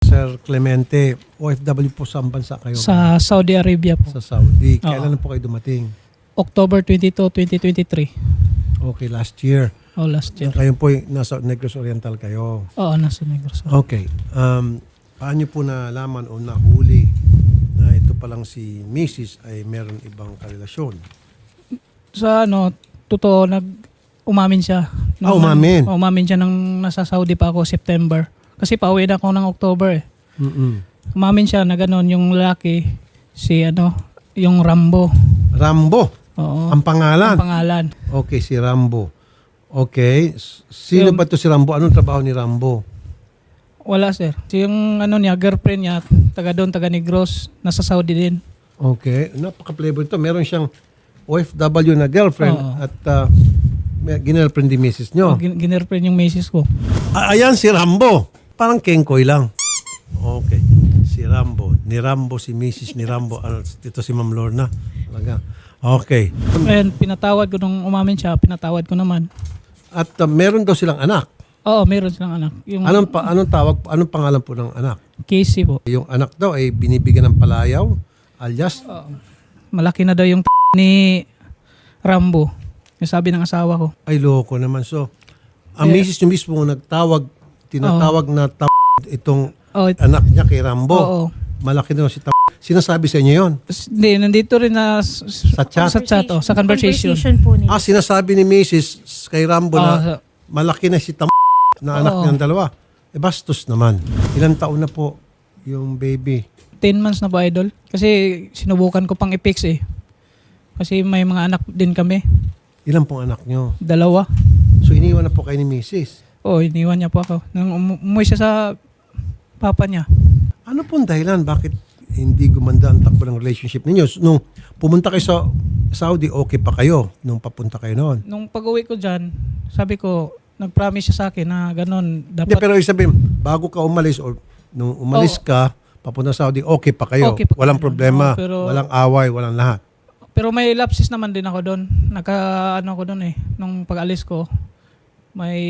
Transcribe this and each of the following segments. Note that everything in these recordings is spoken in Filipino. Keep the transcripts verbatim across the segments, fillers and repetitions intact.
Sir Clemente, O F W po saan bansa kayo? Sa Saudi Arabia po. Sa Saudi. Oo. Kailan na po kayo dumating? October twenty-second, twenty twenty-three. Okay, last year. Oh, last year. Kayo po ay nasa Negros Oriental kayo. Oo, nasa Negros. Okay. Um, paano po nalaman o nahuli na ito palang si Missus ay meron ibang karelasyon? Sa ano, totoo, nag umamin siya. Ah, umamin? Oh, umamin siya nang nasa Saudi pa ako, September. Kasi pauwi na ako ng October eh. Mm-mm. Umamin siya na gano'n, yung lalaki, si ano, yung Rambo. Rambo? Oo. Ang pangalan? Ang pangalan. Okay, si Rambo. Okay. S- Sino Yung- ba to si Rambo? Anong trabaho ni Rambo? Wala sir. Si yung ano niya, girlfriend niya, taga doon, taga Negros, nasa Saudi din. Okay. Napaka-flavor ito. Meron siyang O F W na girlfriend Oo. at uh, may ginirlfriend di Missus nyo. Gin- Ginirlfriend yung misis ko. Ah, ayan si Rambo. Parang kengkoy lang. Okay. Si Rambo. Ni Rambo, si Missus ni Rambo. Ano, ito si Ma'am Lorna. Talaga. Okay. Ayan, pinatawad ko nung umamin siya, pinatawad ko naman. At uh, meron daw silang anak. Oo, meron silang anak. Yung Anong, pa, anong tawag, anong pangalan po ng anak? Casey po. Yung anak daw ay binibigyan ng palayaw alias Oo. Malaki na daw yung t- ni Rambo. Yung sabi ng asawa ko. ay loko naman. So, ang Eh, misis nyo mismo nagtawag, tinatawag na t- itong Oh, it- anak niya kay Rambo. Oo. Malaki daw si t- Sinasabi sa inyo yon? S- Hindi, nandito rin na s- s- Sa chat? Sa chat, oh, sa conversation. po nila. Ah, sinasabi ni Missus kay Rambo Oo, na sa- malaki na si t- na anak Oo. niyang dalawa. E bastos naman. Ilang taon na po yung baby? ten months na ba, idol? Kasi sinubukan ko pang i-fix eh. Kasi may mga anak din kami. Ilan pong anak niyo? Dalawa. So, iniwan na po kayo ni Missus Oo, iniwan niya po ako. Nung umu- umuwi siya sa papa niya. Ano pong dahilan? Bakit hindi gumanda ang takbo ng relationship ninyo? Nung pumunta kayo sa Saudi, okay pa kayo nung papunta kayo noon? Nung pag-uwi ko dyan, sabi ko, nag-promise siya sa akin na ganun. Hindi, Dapat, pero isabihin, bago ka umalis or nung umalis Oo. ka, papunta sa Saudi, okay pa kayo. Okay pa Walang kami. problema, Oo, pero- walang away, walang lahat. pero may lapses naman din ako doon. Naka, ano ako doon eh. Nung pag-alis ko, may,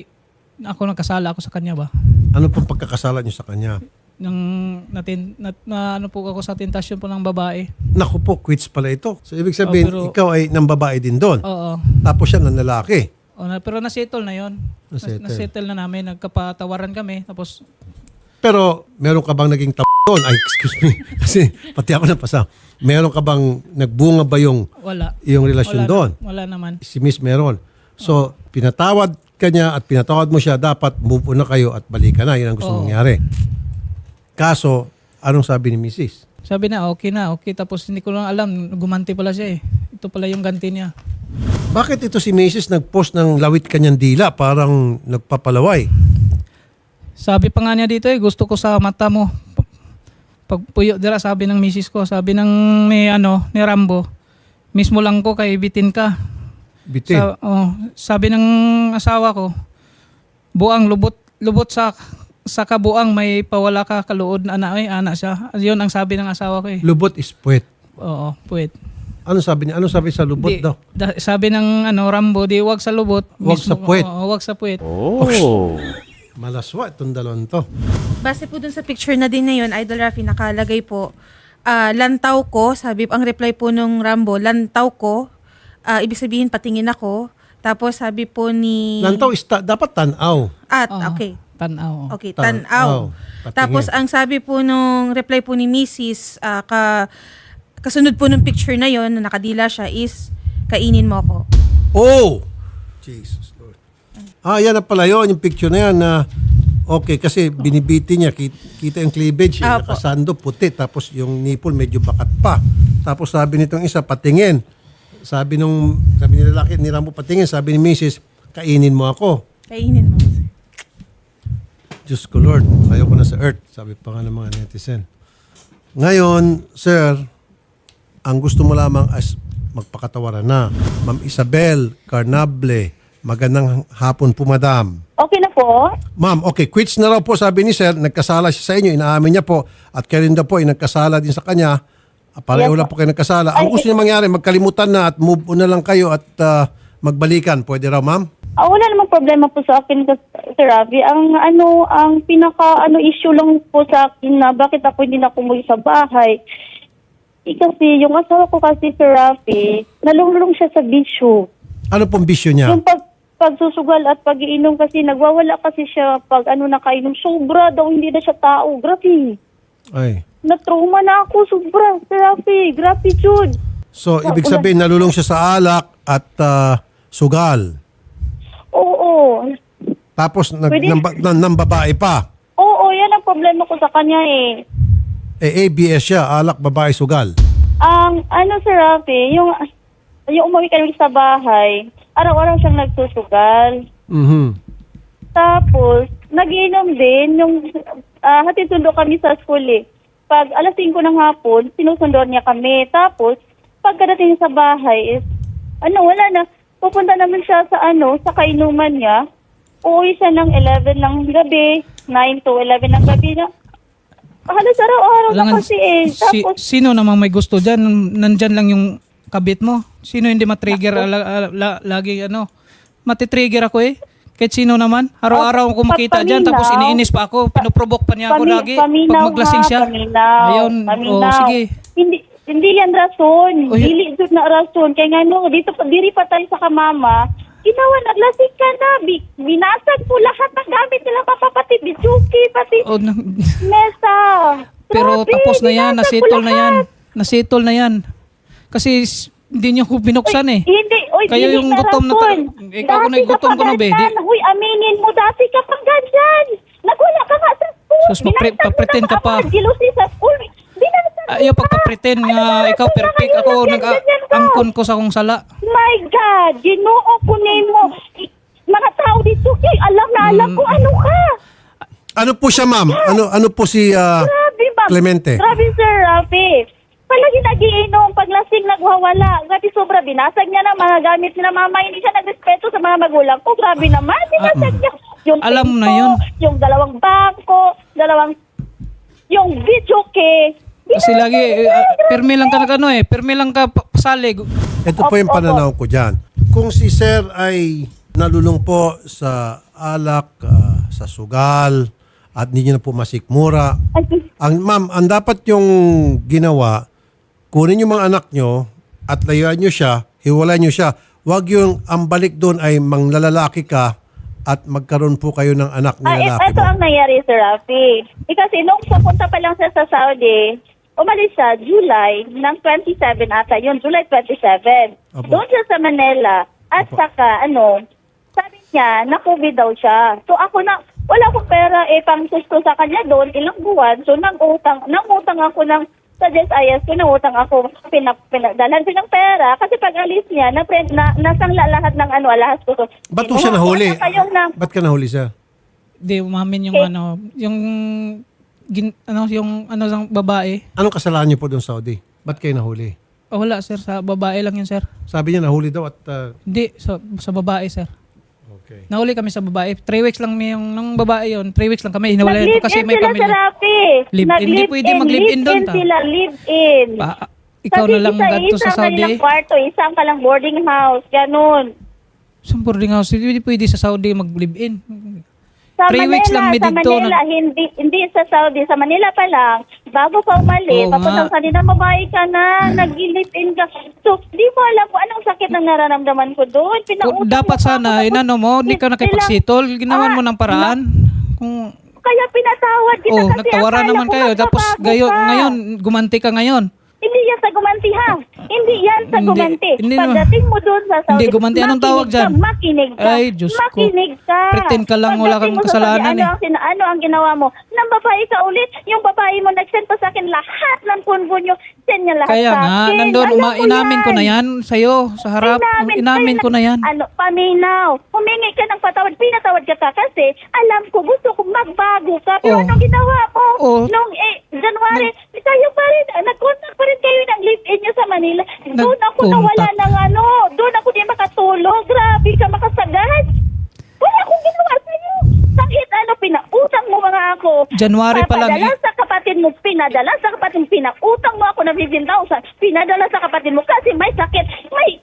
ako nagkasala ako sa kanya ba? Ano pong pagkakasala niyo sa kanya? Nung natin, na, na, ano po ako sa tentasyon po ng babae. Naku po, quits pala ito. So, ibig sabihin, Oh, pero- ikaw ay ng babae din doon. Oo. Tapos siya ng lalaki. O, na, pero nasettle na yon. Nasettle. Nas- nasettle na namin. Nagkapatawaran kami. Tapos, Pero, meron ka bang naging t- doon? Ay, excuse me. Kasi, pati ako napasa. Meron ka bang, nagbunga ba yung, wala. yung relasyon Wala, doon? wala naman. Si Miss meron. So, pinatawad ka niya at pinatawad mo siya, dapat move on na kayo at balikan na. Yan ang gusto Oo. mangyari. Kaso, anong sabi ni Missus? Sabi na, okay na, okay. Tapos hindi ko lang alam, gumanti pala siya eh. Ito pala yung ganti niya. Bakit ito si Missus nag-post ng lawit kanyang dila? Parang nagpapalaway. Sabi pa nga niya dito eh, gusto ko sa mata mo. P- Pagpuyo dira, sabi ng misis ko, sabi ng ni, ano, ni Rambo, mismo lang ko kay bitin ka. Bitin. Sa, oh, sabi ng asawa ko, buang lubot, lubot sa sa kabuang may pawala ka kaluod na ana, ay, ana siya. Yun ang sabi ng asawa ko eh. Lubot is puwet. Oo, puwet. Ano sabi niya? Ano sabi sa lubot Di- daw? da- sabi ng ano Rambo, di wag sa lubot. Wag sa puwet. Oo, wag sa puwet. Malaswa itong dalawang to. Base po dun sa picture na din na yun, Idol Rafi, nakalagay po, ah, lantaw ko, sabi, ang reply po nung Rambo, lantaw ko, ah, ibig sabihin patingin ako, tapos sabi po ni... Lantaw is ta- dapat tanaw. At, Oo, okay. Tanaw. Okay, Tanaw. tanaw. Patingin. Tapos ang sabi po nung reply po ni Missus ah, ka, kasunod po nung picture na yon na nakadila siya is, kainin mo ako. Oh! Jesus Lord. Ah, yan na pala yun. Yung picture na yan na okay, kasi binibiti niya. Kita, kita yung cleavage. Eh, Apo. nakasando, puti. Tapos yung nipple medyo bakat pa. Tapos sabi nitong isa, patingin. Sabi nung, sabi ni lalaki, ni Rambo, patingin. Sabi ni Missus, kainin mo ako. Kainin mo. Diyos ko Lord, ayoko na sa earth. Sabi pa nga ng mga netizen. Ngayon, sir, ang gusto mo lamang as magpakatawaran na. Ma'am Isabel Carnable, magandang hapon po, madam. Okay na po. Ma'am, okay, quits na raw po sabi ni sir, nagkasala siya sa inyo, inaamin niya po, at kayo rin daw po ay nagkasala din sa kanya. Ah, Pareho Yes, lang po kayo nagkasala. Ang Ay, gusto niya mangyari, magkalimutan na at move on na lang kayo at ah, magbalikan. Pwede raw, ma'am? Ah, wala namang problema po sa akin, Sir Rafi. Ang ano, ang pinaka ano issue lang po sa akin na bakit ako hindi na umuwi sa bahay. Eh, kasi yung asawa ko kasi, Sir Rafi, nalulong siya sa bisyo. Ano pong bisyo niya? Yung pag pagsusugal at pag-iinom kasi nagwawala kasi siya pag ano nakainom. Sobra daw, hindi na siya tao. Grabe. Ay. Na-trauma na ako. Sobra, Sir Rafi. Grabe, Jude. So, ibig sabihin, nalulong siya sa alak at ah, sugal. Oo. Tapos, nag, Pwede- nang, nang, nang babae pa. Oo, yan ang problema ko sa kanya eh. Eh, A B S siya, alak, babae, sugal. Ang ano, Sir Rafi, yung, yung umuwi kami sa bahay, araw-araw siyang nagsusugal. Mhm. Tapos, nagiinom din yung uh, hatid sundo kami sa school eh. Pag alas singko ng hapon, sinusundo niya kami. Tapos, pagkadating sa bahay is, ano, wala na. Pupunta naman siya sa ano, sa kainuman niya. Uuwi siya ng eleven ng gabi, nine to eleven ng gabi na. Halos araw-araw na Alangan, kasi eh. si, Tapos, sino namang may gusto dyan? Nandyan lang yung kabit mo. Sino hindi matrigger? Ala, ala, la- lagi ano, matitrigger ako eh. Kahit sino naman. Araw-araw ko makita Pag dyan. Tapos paminaw, iniinis pa ako. Pinoprovoke pa niya ako Pami- lagi. paminaw Pag maglasing ha, siya. Paminaw, Ayun. paminaw. Oh, sige. Hindi hindi yan rason. Oy. Dili jud na rason. Kaya nga no, dito pa diri pa tayo sa kamama. Ginawa na lasing ka na. Bi- binasag mo lahat ng gamit nila papapati. Bijuki, pati Oh, na- mesa. pero Grabe, tapos na yan. binasag mo Nasitol na yan. lahat. Nasitol na yan. Kasi s- hindi niyo ko binuksan eh. Hindi, oy, Kayo dili yung na gutom na rason. ta- ikaw ko na Dati yung gutom ka ko na, pa be. Di- ganyan. Huy, aminin mo, dati ka pang ganyan. Nagwala ka nga sa school. Sus, papre- Binasag mo papretend na ka pa. mga gilusi sa school. Binasag mo Ayaw pa. pagpapretend Ano nga ba, ikaw rason na perfect. kayo? Ako Ganyan, ganyan ka. nag-angkon ko sa akong sala. My God, ginoo ko nimo. I- Mga tao dito, kay alam na alam Mm. ko ano ka. Ano po siya, ma'am? Ano ano po si ah, Grabe ba? Clemente? Grabe, Sir Rafi. Palagi nagiinom, paglasing nagwawala. Grabe sobra, binasag niya na mga gamit ni na mama. Hindi siya nagrespeto sa mga magulang ko. Grabe naman, binasag niya. Yung Ah, mm. Alam mo na pinto, yun. Yung dalawang bangko, dalawang, yung video ke. Kasi lagi, eh, ah, permi lang ka na ano eh. Permi lang ka pa- pasalig. Ito po yung Opo. pananaw ko dyan. Kung si sir ay nalulong po sa alak, ah, sa sugal, at hindi niyo na po masikmura, ang ma'am, ang dapat yung ginawa, kunin yung mga anak nyo at layuan nyo siya, hiwalay nyo siya. Huwag yung ang balik doon ay manglalalaki ka at magkaroon po kayo ng anak ni Ah, it, lalaki ito mo. ang nangyari, Sir Rafi. Eh, kasi nung papunta pa lang siya sa Saudi, umalis siya July ng twenty-seven ata yun, July twenty-seven. Apo. Doon siya sa Manila. At Apo. saka, ano, sabi niya, na-COVID daw siya. So ako na, wala akong pera eh, pang susto sa kanya doon, ilang buwan. So nang-utang, nang-utang ako ng, sa J S I S ko, nang-utang ako, pinak, pinagdalan ko ng pera. Kasi pag alis niya, na, na, nasangla lahat ng ano, alahas ko. So, Ba't po siya nahuli? Wala kayong na, Ba't ka nahuli, sir? Di umamin yung Okay. ano, yung gin, ano yung ano sang babae. Anong kasalanan niyo po doon sa Saudi? Ba't kayo nahuli? Oh, wala sir, sa babae lang yun sir. Sabi niya nahuli daw at... ah, Hindi, sa, sa babae sir. okay. Nahuli kami sa babae. Three weeks lang may yung nung babae yon. Three weeks lang kami. Hinawalayan ko kasi Nag-live-in may sila sa pamilya. Rafi. Live-in. Nag-live-in, Hindi pwede mag-live-in doon, live-in ta. sila, live-in. Pa, ikaw na lang ganito sa Saudi. Isang kwarto, isang ka lang boarding house, ganun. Sa boarding house, hindi pwede sa Saudi mag-live-in. Sa Three Manila, weeks lang may sa dito Manila, na- hindi, hindi sa Saudi. Sa Manila pa lang, bago pa umalis, Oo papunta nga. sa kanila, mabahay ka na, nag-live-in ka. So, di mo alam kung anong sakit na nararamdaman ko doon. Kung Pinautang dapat mo pa sana, ako, inano mo, hindi ka sila- nakipagsitol. Ginawan mo Ah, ng paraan. Kung, Kaya pinatawad kita oh, kasi nagtawaran akala naman ko kayo. Tapos magbabago gayon, ka. ngayon, gumanti ka ngayon. Hindi yan sa gumanti ha. Hindi yan sa Hindi- gumanti. hindi naman. Pagdating mo doon sa Saudi, Hindi gumanti. Anong tawag makinig ka, dyan? Makinig ka. Ay, Diyos ko. Makinig ka. Pretend ka lang, wala Pagdating kang mo sa kasalanan Saudi, eh. Ano ang, sina- ano ang ginawa mo? Nang babae ka ulit, yung babae mo nag-send pa sa akin lahat ng punbo nyo. Send niya lahat Kaya sa nga, akin. nandun, Alam uma, ko inamin ko na yan sa'yo, sa harap. Inamin, Inamin kaya ko na yan. Ano, paminaw. Humingi ka ng patawad. Pinatawad ka ka kasi alam ko gusto kong magbago ka. Pero Oh. anong ginawa mo? Oh. Nung eh, January, kayo pa rin, ah, nag-contact pa rin kayo ng live-in nyo sa Manila. Doon ako nawala Nag-contact. ng ano. Doon ako di makatulog. Grabe ka makasagad. Wala akong ginawa sa'yo. Sakit ano, pinautang mo mga ako. January pa lang Papadala eh. sa kapatid mo, pinadala sa kapatid mo, pinakutang mo ako ng fifteen thousand, pinadala sa kapatid mo kasi may sakit, may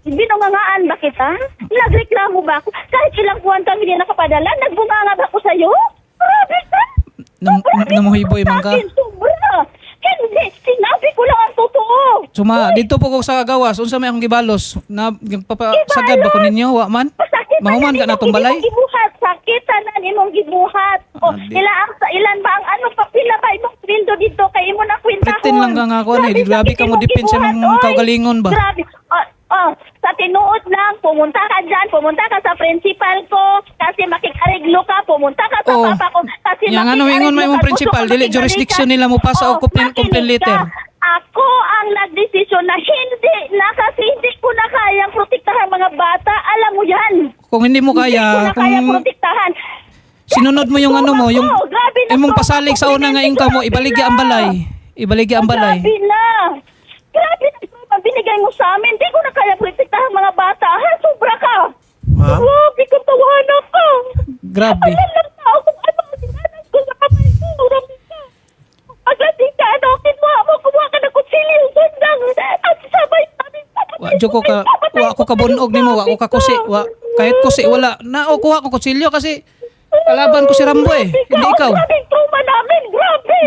binungangaan ba kita? Nagreklamo ba ako? Kahit ilang buwan kami din nakapadala, nagbunganga ba ako sa'yo? Grabe ka! Nam- namuhiboy man ka. Sa akin, sobra! Hindi, sinabi ko lang ang totoo. Suma, dito po ko sa gawas. Unsa may akong gibalos? Na, papasagad ba ko ninyo? Wa man? Pasakit Mahuman ka na itong balay? Imong gibuhat, sakit tanan imong gibuhat. O, Ah, di- ila ang sa ilan ba ang ano pa pila ba imong sweldo dito kay imo na kwentahon. Pretend lang ka nga ako, ano, eh. Grabe ka mo, sakit depende sa imong mga gibuhat, oy. kaugalingon ba? Grabe. Oh, oh, sa tinuod lang, pumunta ka dyan, pumunta ka sa principal ko, kasi makikareglo ka, pumunta ka sa Oh. papa ko, kasi Yang ano, ingon mo yung principal, dili jurisdiction nila mo pa sa complaint- complaint letter. Ako ang nagdesisyon na hindi na kasi hindi ko na kayang protektahan mga bata. Alam mo yan. Kung hindi mo Hindi ko kaya, na kaya kung protektahan. sinunod mo yung ano mo, yung Ako, grabe na imong to. pasalig sa una nga income mo, ibaligya ang balay. Ibaligya ang balay. Grabe na. Grabe na ito. Binigay mo sa amin. Hindi ko na kaya protektahan mga bata. Ha? Sobra ka. Ma'am? Grabe ka, tawanan ka. Grabe. Alam lang na ako kung ano ang sinanas ko sa kamay ko. Grabe ka. Paglasing ka, ano, kinuha mo, kumuha ka ng kutsilyo. Sundang. At sabay namin. Wa jo ko ka wa ko kabunog nimo, wa ko ka kusi, wa kahit kusi wala. Na o kuha ko kutsilyo kasi kalaban ko si Rambo eh, hindi ikaw. Grabe trauma namin, grabe.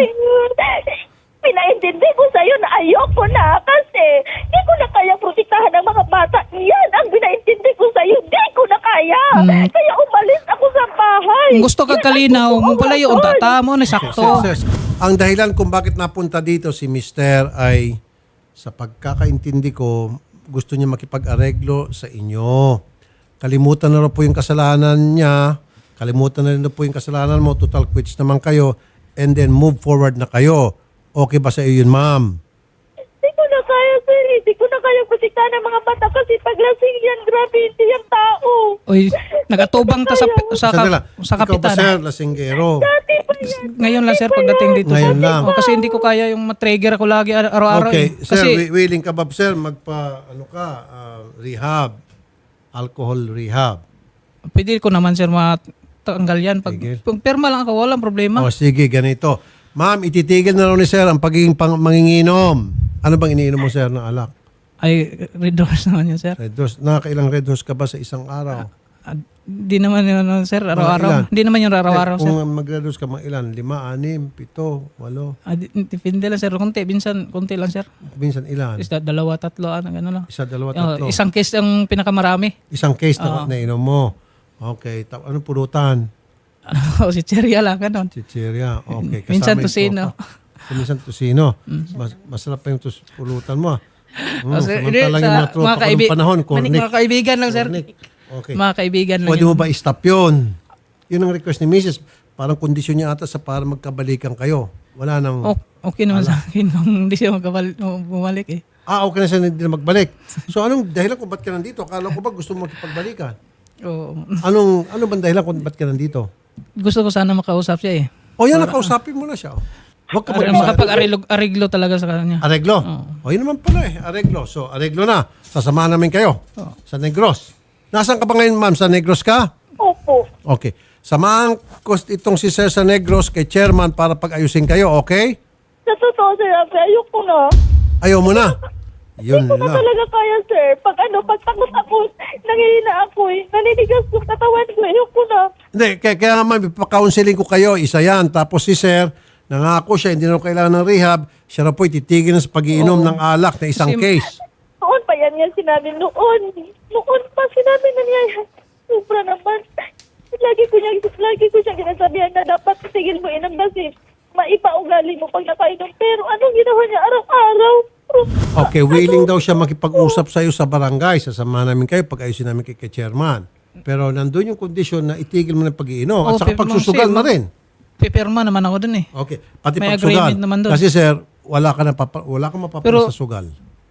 Pinaintindi ko sa'yo na ayoko na kasi di ko na kaya protektahan ng mga bata. Yan ang pinaintindi ko sa'yo. Di ko na kaya. Hmm. Kaya umalis ako sa bahay. Kung gusto ka Yan ang kalinaw, totoo, mo pala yung Rason. tata mo na Sir, sakto. sir, ang dahilan kung bakit napunta dito si Mister ay sa pagkakaintindi ko, gusto niya makipag-areglo sa inyo. Kalimutan na rin po yung kasalanan niya. Kalimutan na rin po yung kasalanan mo. Total quits naman kayo. And then move forward na kayo. Okay ba sa iyo yun, ma'am? Di ko na kaya, sir. Di ko na kaya protektahan ng mga bata kasi paglasing yan, grabe, hindi yung tao. Oy, nagatubang ta sa sa, Sandali lang. sa Ikaw ba, kapitan. sir, lasinggero? Dati pa yan. Ngayon lang sir pagdating dito. Ngayon sir. lang. Oh, kasi hindi ko kaya yung matrigger ako lagi ar- araw-araw. Okay, eh. sir, Kasi wi- willing ka ba, sir, magpa, ano ka, ah, rehab, alcohol rehab? pwede ko naman sir matanggal yan pag, Tigil. pag perma lang ako, walang problema. O sige, ganito. Ma'am, ititigil na raw ni sir ang pagiging pang, manginginom. Ano bang iniinom mo, sir, ng alak? Ay, red doors naman yun sir. Red horse. Nakakailang red horse ka ba sa isang araw? Ah, Di naman yun ano, sir, ilan? araw-araw. Di naman yung araw-araw Eh, sir. kung mag-red horse ka, mga ilan? Lima, anim, pito, walo. Ah, di- depende lang sir, konti, minsan konti lang sir. Minsan ilan? Is that dalawa, tatlo, ano, gano'n lang. Isa, dalawa, Oh, tatlo. isang case ang pinakamarami. Isang case na Oo. nainom mo. Okay. Ta- anong pulutan? Ano, si Cheria lang, gano'n. Chicheria. Okay. Kasama Minsan yung tusino. tropa. So, minsan tusino. Mas, masarap pa yung tus- pulutan mo. ah. Mm, Kasi, samantalang hindi, yung sa mga tropa mga ko kaibi- nung panahon, Manik- cornic. mga kaibigan lang sir. Cornic. Okay. Mga kaibigan lang Pwede yun. mo ba i-stop yun? Yun ang request ni Missus Parang kondisyon niya ata sa para magkabalikan kayo. Wala nang... O- okay naman sa akin kung hindi siya magkabal- bumalik eh. Ah, okay na siya hindi na magbalik. So anong dahilan kung ba't ka nandito? Akala ko ba gusto mo makipagbalikan? Oo. Anong, ano bang dahilan kung ba't ka nandito? Gusto ko sana makausap siya eh. O yan, nakausapin mo na siya. oh. Huwag ka Ar- mag makapag-ariglo ariglo talaga sa kanya. Areglo. O yun naman pala eh, areglo. So areglo na. Sasamahan namin kayo sa Negros. Nasaan ka ba ngayon, ma'am? Sa Negros ka? Opo. Okay. Samahan ko itong si Sir sa Negros kay chairman para pag-ayusin kayo, okay? Sa totoo, sir, Rafi, ayoko na. Ayaw mo na. Yun Hindi ko na lang. talaga kaya, sir. Pag ano, pag takot ako, nangihina ako eh. Naninigas yung katawan ko. Ayoko na. Hindi, kaya, kaya nga ma'am, ipakounseling ko kayo, isa yan. Tapos si Sir, nangako siya, hindi na raw kailangan ng rehab. Siya na po ititigil na sa pag-iinom ng alak na isang Kasi- case. Noon pa yan yan sinabi. Noon. Noon pa sinabi na niya. Sobra naman. Lagi ko niya, lagi ko siya ginasabihan na dapat tigil mo inom kasi maipaugali mo pag nakainom. Pero anong ginawa niya araw-araw? Okay, willing daw siya makipag-usap sa iyo sa barangay. Sasama namin kayo pag-ayusin namin kay, kay chairman. Pero nandun yung kondisyon na itigil mo ng pag-iinom at Oo, saka pero pagsusugal ma'am, na rin. Pipirma naman ako dun eh. Okay, pati May pagsugal. agreement naman doon. Kasi sir, wala ka na papa, wala kang mapapala Pero- sa sugal.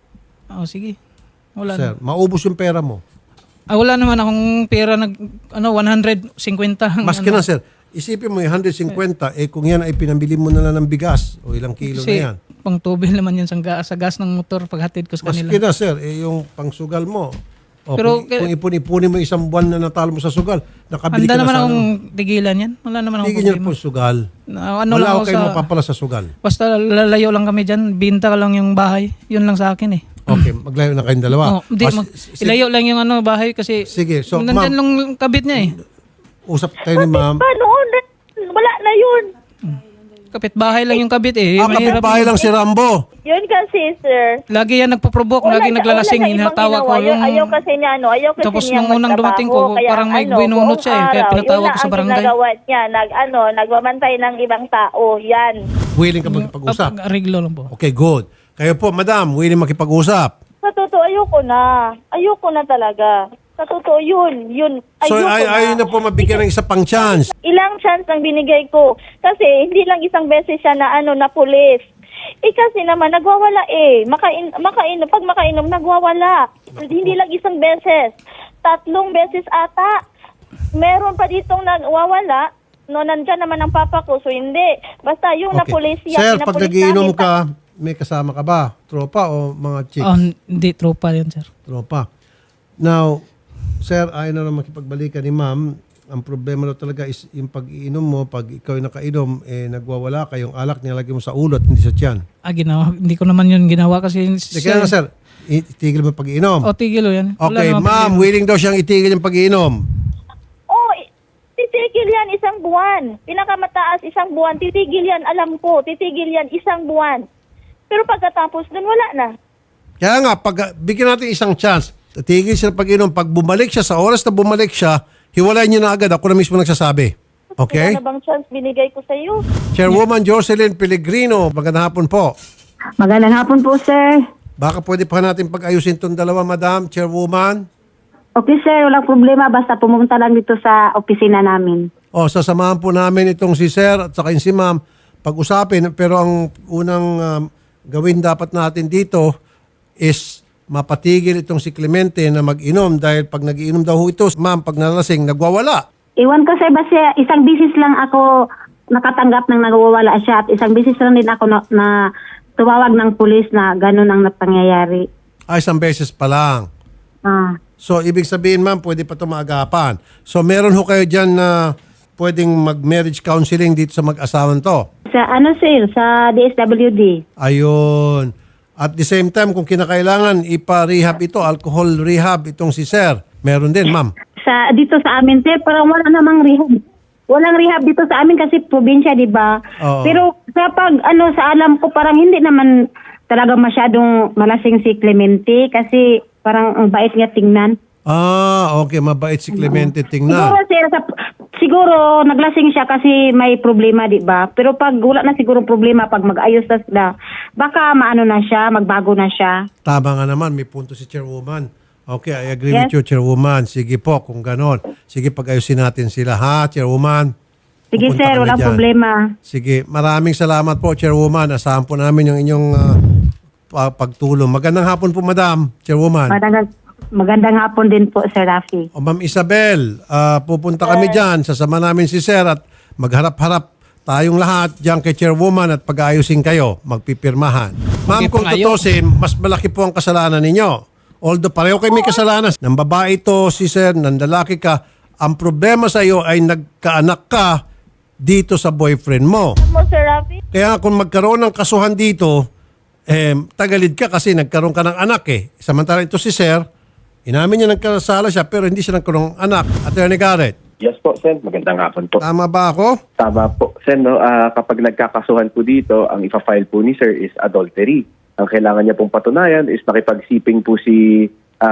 Oh, sige. Wala Sir, na. maubos yung pera mo. Ah, wala naman akong pera nag ano one hundred fifty. Maski ano. na sir, isipin mo yung one hundred fifty, eh kung yan ay pinambili mo na lang ng bigas o ilang kilo Kasi na yan. pang tubil naman yun sa, ga- sa gas ng motor paghatid ko sa Maski kanila. na sir, eh yung pangsugal mo. O Pero kung, kaya- kung ipon-ipunin mo isang buwan na natalo mo sa sugal, nakabili Handa ka na naman sa akong ano. tigilan yan. Wala naman akong Tigil niyo problema. po sugal. Na, ano Wala lang ako ako kayo sa... mapapala sa sugal. Basta lalayo lang kami dyan. Binta ka lang yung bahay. Yun lang sa akin eh. Okay, maglayo na kayong dalawa. Oh, di, Ah, mag, s- s- ilayo lang yung ano, bahay kasi Sige, so nandyan ma'am, lang yung kabit niya eh. usap tayo ni ma'am. Pa noon, wala na yun. Kapit bahay lang yung kabit eh. Ah, Mahirap kapitbahay yun. lang si Rambo. Yun kasi, sir. Lagi yan nagpo-provoke, lagi naglalasing, wala siyang ibang hinatawa ko ginawa. yung... Ayaw kasi niya, ano, ayaw kasi Tapos niya nung unang dumating ko, magtrabaho. Kaya parang may ano, binunot buong siya eh, kaya araw, pinatawag yun ko sa lang barangay. ang ginagawa niya, nag, ano, nagmamantay ng ibang tao. Yan. Willing ka makipag-usap. Reglo lang po. Okay, good. Kayo po, madam, willing makipag-usap. Sa totoo, ayoko na. Ayoko na talaga. Sa totoo, yun. Yun. So, Ayoko ay, na. ayaw na po mabigyan ng isa pang chance. Ilang chance ang binigay ko. Kasi hindi lang isang beses siya na ano na pulis. Eh kasi naman nagwawala eh. Makain makainom pag makainom nagwawala. Hindi lang isang beses. Tatlong beses ata. Meron pa ditong nagwawala. No, nandiyan naman ang papa ko. So hindi. Basta yung Okay. napulis siya. Sir, pag pinapulis nagiinom namin. ka, may kasama ka ba? Tropa o mga chicks? Oh, hindi, tropa yan sir. Tropa. Now, sir, ayaw na lang makipagbalikan ni ma'am. Ang problema na talaga is yung pag-iinom mo, pag ikaw yung nakainom, eh, nagwawala ka, yung alak nilalagay mo sa ulo at hindi sa tiyan. Ah, ginawa. Hindi ko naman yun ginawa kasi... Hindi, kaya nga, sir, itigil mo yung pag-iinom. O, tigil o yan. Wala Okay, naman ma'am, problema. willing daw siyang itigil yung pag-iinom. Oh, i- titigil yan isang buwan. Pinakamataas isang buwan. Titigil yan, alam ko. Titigil yan isang buwan. Pero pagkatapos dun, wala na. Kaya nga, pag bigyan natin isang chance, tigil siya ng pag-inom. Pag bumalik siya, sa oras na bumalik siya, hiwalayin niyo na agad. Ako na mismo nagsasabi. Okay? Wala na bang chance binigay ko sa iyo? Chairwoman Jocelyn Pellegrino, magandang hapon po. Magandang hapon po, sir. Baka pwede pa natin pag-ayusin itong dalawa, Madam Chairwoman. Okay, sir. Walang problema. Basta pumunta lang dito sa opisina namin. O, sasamahan po namin itong si Sir at saka yung si Ma'am pag-usapin. Pero ang unang um, gawin dapat natin dito is mapatigil itong si Clemente na mag-inom dahil pag nag-inom daw ho ito, Ma'am, pag nalasing, nagwawala. Iwan ko, sir, basta isang bisis lang ako nakatanggap ng nagwawala siya at isang bisis lang din ako na, na tumawag ng pulis na gano'n ang napangyayari. Ay, isang beses pa lang. Ah. So, ibig sabihin, Ma'am, pwede pa ito maagapan. So, meron ho kayo dyan na pwedeng mag-marriage counseling dito sa mag-asawan to. Sa ano, sir? Sa D S W D. Ayun. At the same time, kung kinakailangan, ipa-rehab ito, alcohol rehab itong si Sir. Meron din, Ma'am. Sa, dito sa amin, sir, parang wala namang rehab. Walang rehab dito sa amin kasi probinsya, di ba? Oo. Pero sa pag, ano, sa alam ko, parang hindi naman talaga masyadong malasing si Clemente kasi parang ang bait niya tingnan. Ah, okay. Mabait si Clemente Siguro, tingnan. sir, sa, siguro naglasing siya kasi may problema, di ba? Pero pag wala na siguro problema, pag mag-ayos na sila, baka maano na siya, magbago na siya. Tama nga naman. May punto si Chairwoman. Okay, I agree Yes. with you, Chairwoman. Sige po, kung ganon. Sige, pag-ayusin natin sila, ha, Chairwoman? Sige, Pupunta sir, kami walang dyan. problema. Sige, maraming salamat po, Chairwoman. Asahan po namin yung inyong ah, pa- pagtulong. Magandang hapon po, Madam, Chairwoman. Magandang, magandang hapon din po, Sir Rafi. O Ma'am Isabel, ah, pupunta kami dyan. Sasama namin si Sir at magharap-harap tayong lahat dyan kay Chairwoman at pag-aayusin kayo, magpipirmahan. Ma'am, Okay, kung pang-ayaw. tutusin, mas malaki po ang kasalanan ninyo. Although pareho kayo may kasalanan. Nang babae to si Sir, nang lalaki ka, ang problema sa iyo ay nagkaanak ka dito sa boyfriend mo. Mo, Sir Rafi? Kaya kung magkaroon ng kasuhan dito, eh, tagalid ka kasi nagkaroon ka ng anak eh. Samantala ito si Sir, inamin niya nagkasala siya pero hindi siya nagkaroon ng anak. Attorney Garrett, Yes po, Sen. Magandang hapon po. tama ba ako? Tama po. Sen, no, ah, kapag nagkakasuhan po dito, ang ipa-file po ni Sir is adultery. Ang kailangan niya pong patunayan is nakipagsiping po si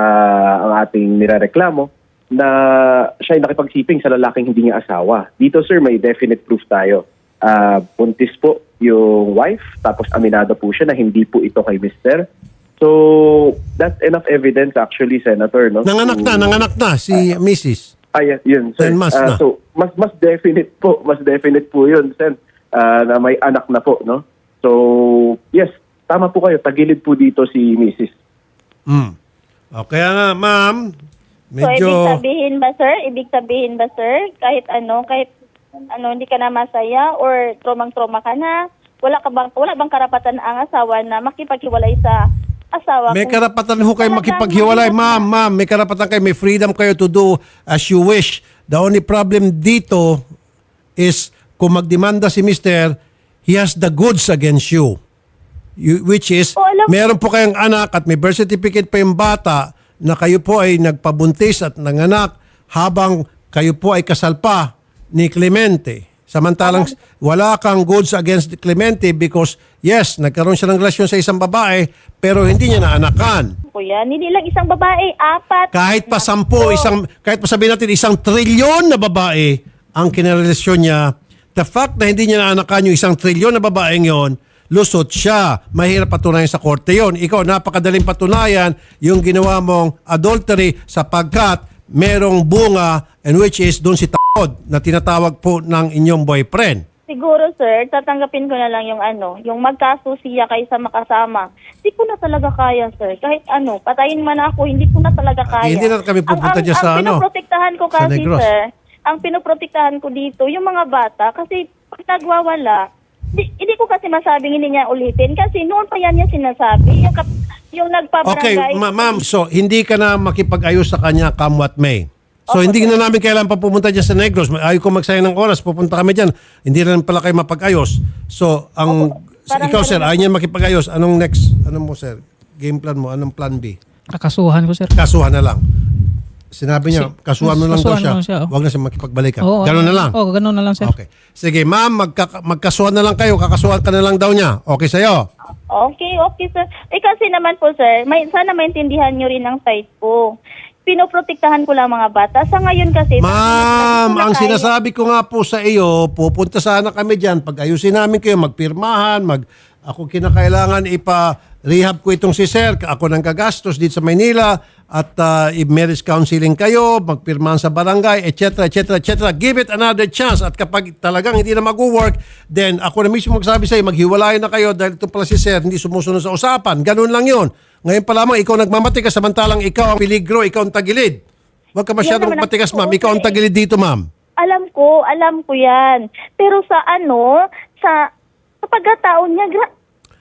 ah, ang ating nirereklamo na siya ay nakipagsiping sa lalaking hindi niya asawa. Dito, Sir, may definite proof tayo. Ah, buntis po yung wife, tapos aminado po siya na hindi po ito kay Mister So, that's enough evidence actually, Senator. No? Nanganak na, to- nanganak na si Missus Ah, yeah, yun, sir. Then mas Ah, na. so, mas mas definite po, mas definite po yun, sir, ah, na may anak na po, no? So, yes, tama po kayo, tagilid po dito si Missus Mm. O, kaya nga, ma'am, So, medyo... ibig sabihin ba, sir? Ibig sabihin ba, sir? Kahit ano, kahit ano, hindi ka na masaya or tromang-troma ka na, wala ka bang, wala bang karapatan ang asawa na makipaghiwalay sa asawa? May kung karapatan ho kayo talagang makipaghiwalay, mahirap ma'am, na? ma'am. May karapatan kayo, may freedom kayo to do as you wish. The only problem dito is kung magdemanda si Mister, he has the goods against you. You- which is, Oo, alam- meron po kayong anak at may birth certificate pa yung bata na kayo po ay nagpabuntis at nanganak habang kayo po ay kasal pa ni Clemente. Samantalang wala kang goods against Clemente because yes, nagkaroon siya ng relasyon sa isang babae pero hindi niya naanakan. Kuya, hindi lang isang babae, apat. Kahit pa sampu, isang, kahit pa sabihin natin isang trilyon na babae ang kinarelasyon niya, the fact na hindi niya naanakan yung isang trilyon na babaeng yon, lusot siya. Mahirap patunayan sa korte yon. Ikaw, napakadaling patunayan yung ginawa mong adultery sapagkat merong bunga and which is doon si Takod na tinatawag po ng inyong boyfriend. Siguro, sir, tatanggapin ko na lang yung ano, yung magkasusiya kaysa makasama. Hindi ko na talaga kaya, sir. Kahit ano, patayin man ako, hindi ko na talaga kaya. Hindi na kami pupunta ang, dyan ang, sa ang ano, pinoprotektahan ko sa kasi, Negros. sir, ang pinoprotektahan ko dito, yung mga bata, kasi pag nagwawala, di, hindi ko kasi masabing hindi niya ulitin kasi noon pa yan niya sinasabi. Yung, kap, yung Okay, nagpabarangay. ma- ma'am, so hindi ka na makipag-ayos sa kanya come what may. So hindi na namin kailangan pa pumunta dyan sa Negros. Ayaw ko magsayang ng oras, pupunta kami dyan. Hindi na pala kayo mapag-ayos. So ang Parang ikaw sir, ganun. ayaw niya makipag-ayos. Anong next, ano mo sir? Game plan mo, anong plan B? Kakasuhan ko, sir. Kasuhan na lang. Sinabi niya, Si- kasuhan mo lang daw kasuhan siya. mo siya, oh. Huwag na siya makipagbalikan. Oo, Ganun na lang. Oo, ganun na lang, sir. Okay. Sige, ma'am, magka- magkasuhan na lang kayo. Kakasuhan ka na lang daw niya. Okay sa'yo? Okay, okay, sir. Eh kasi naman po, sir, may, sana maintindihan nyo rin ang side ko. Pinoprotektahan ko lang mga bata. Sa ngayon kasi... Ma'am, ang tayo- sinasabi ko nga po sa iyo, pupunta sana kami dyan. Pag ayusin namin kayo, magpirmahan, mag, ako kinakailangan ipa-rehab ko itong si Sir. Ako nang gagastos dito sa Maynila at uh, i-marriage counseling kayo, magpirmahan sa barangay, et cetera, et cetera, et cetera. Give it another chance. At kapag talagang hindi na mag-work, then ako na mismo magsabi sa iyo, maghiwalay na kayo dahil ito pala si Sir, hindi sumusunod sa usapan. Ganun lang yun. Ngayon pa lamang, ikaw nagmamati ka samantalang ikaw ang peligro, ikaw ang tagilid. Huwag ka masyadong Yan naman ang- magpatigas, ma'am. Ikaw ang tagilid dito, ma'am. Alam ko, alam ko yan. Pero sa ano, sa, sa pagkataon niya, gra-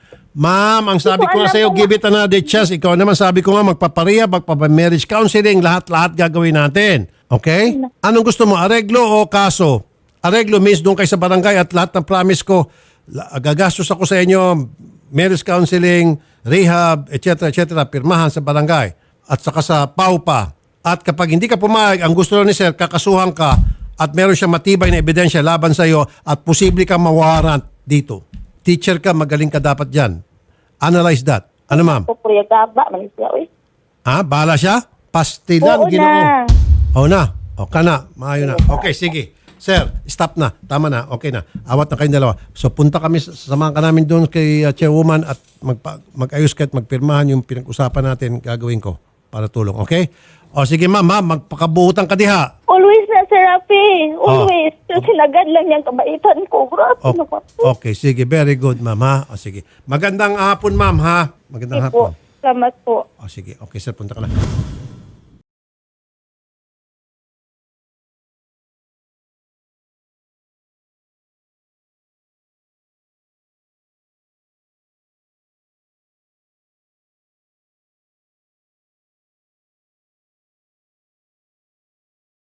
Ma'am, ang sabi Hindi ko ko nga alam sa iyo, kung- give it another chance. Ikaw naman sabi ko nga, magpapareha, magpapa-marriage counseling, lahat-lahat gagawin natin. Okay? Anong gusto mo, areglo o kaso? Areglo means doon kayo sa barangay at lahat ng promise ko, la- gagastos ako sa inyo, marriage counseling, rehab, et cetera, et cetera, pirmahan sa barangay at saka sa P A U pa. At kapag hindi ka pumayag, ang gusto ni Sir, kakasuhan ka at meron siyang matibay na ebidensya laban sa iyo at posible kang mawarrant dito. Teacher ka, magaling ka dapat dyan. Analyze that. Ano ma'am? pupuyagaba, manis siya, uy. Ha? Bahala siya? Pastilan, Oo ginoo. na. Oo na. O ka na. Maayo na. Okay, sige. Sir, stop na. Tama na. Okay na. Awat na kayong dalawa. So punta kami, samahan ka namin doon kay uh, chairwoman at magpa, mag-ayos ka at magpirmahan yung pinag-usapan natin gagawin ko para tulong. Okay? O sige ma'am, ma'am, magpakabuhutan ka diha. Always na, Sir Rafi. Oh. Always. Kasi nagad lang yung kabaitan ko. Grabe O- naman. okay, sige. Very good, ma'am, ha? O sige. Magandang hapon, ma'am, ha? Magandang Sige hapon. po. Salamat po. O sige. Okay, sir, punta ka na.